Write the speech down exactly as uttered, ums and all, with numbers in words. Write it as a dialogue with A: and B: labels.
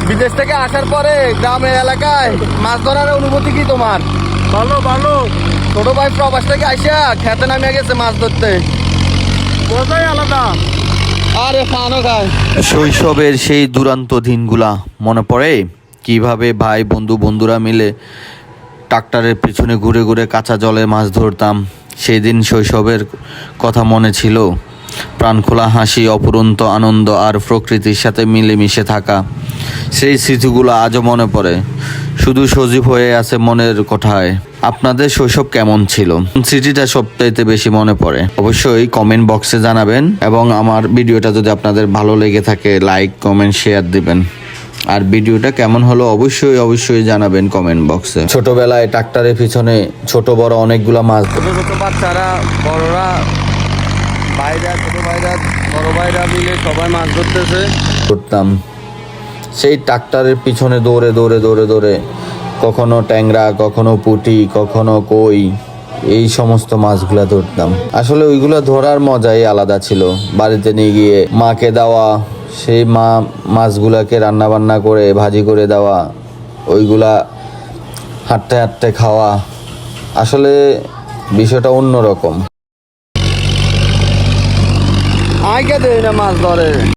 A: বিদেশ থেকে আসার পরে গ্রামের এলাকায় মাছ ধরার অনুভূতি কি তোমার?
B: ভালো ভালো
A: ছোট ভাই প্রবাস থেকে আইসা খেতে নামে গেছে মাছ ধরতে,
B: মজাই আলাদা।
A: আরে ফানও খায়।
C: শৈশবের সেই দুরান্ত দিনগুলা মনে পড়ে, কিভাবে ভাই বন্ধু বন্ধুরা মিলে ট্রাক্টরের পিছনে ঘুরে ঘুরে কাঁচা জলে মাছ ধরতাম। সেই দিন শৈশবের কথা মনে ছিল, প্রাণখোলা হাসি, অপুরন্ত আনন্দ আর প্রকৃতির সাথে মিলেমিশে থাকা। সেই স্মৃতিগুলো আজও মনে পড়ে, শুধু সজীব হয়ে আছে মনের কোঠায়। আপনাদের শৈশব কেমন ছিল? স্মৃতিটা সবচাইতে বেশি মনে পড়ে? অবশ্যই কমেন্ট বক্সে জানাবেন, এবং আমার ভিডিওটা যদি আপনাদের ভালো লেগে থাকে লাইক কমেন্ট শেয়ার দিবেন। আর ভিডিওটা কেমন হলো অবশ্যই অবশ্যই জানাবেন কমেন্ট বক্সে। ছোটবেলায় ট্রাক্টরের পিছনে ছোট বড় অনেকগুলো মাছ
A: ছোট ছোট বাচ্চারা, বড়রা, ভাইরা, ছোট ভাইরা, বড় ভাইরা মিলে সবাই মাছ ধরতেছে।
C: ধরতাম। সেই ট্রাক্টরের পিছনে দৌড়ে দৌড়ে দৌড়ে দৌড়ে কখনো ট্যাংরা, কখনো পুঁটি, কখনো কই, এই সমস্ত মাছগুলা ধরতাম। আসলে ওইগুলো ধরার মজাই আলাদা ছিল। বাড়িতে নিয়ে গিয়ে মাকে দেওয়া, সেই মা মাছগুলাকে রান্না বান্না করে ভাজি করে দেওয়া, ওইগুলা হাঁটতে হাঁটতে খাওয়া, আসলে বিষয়টা অন্যরকম।
A: আগে দেয় না মাছ ধরে।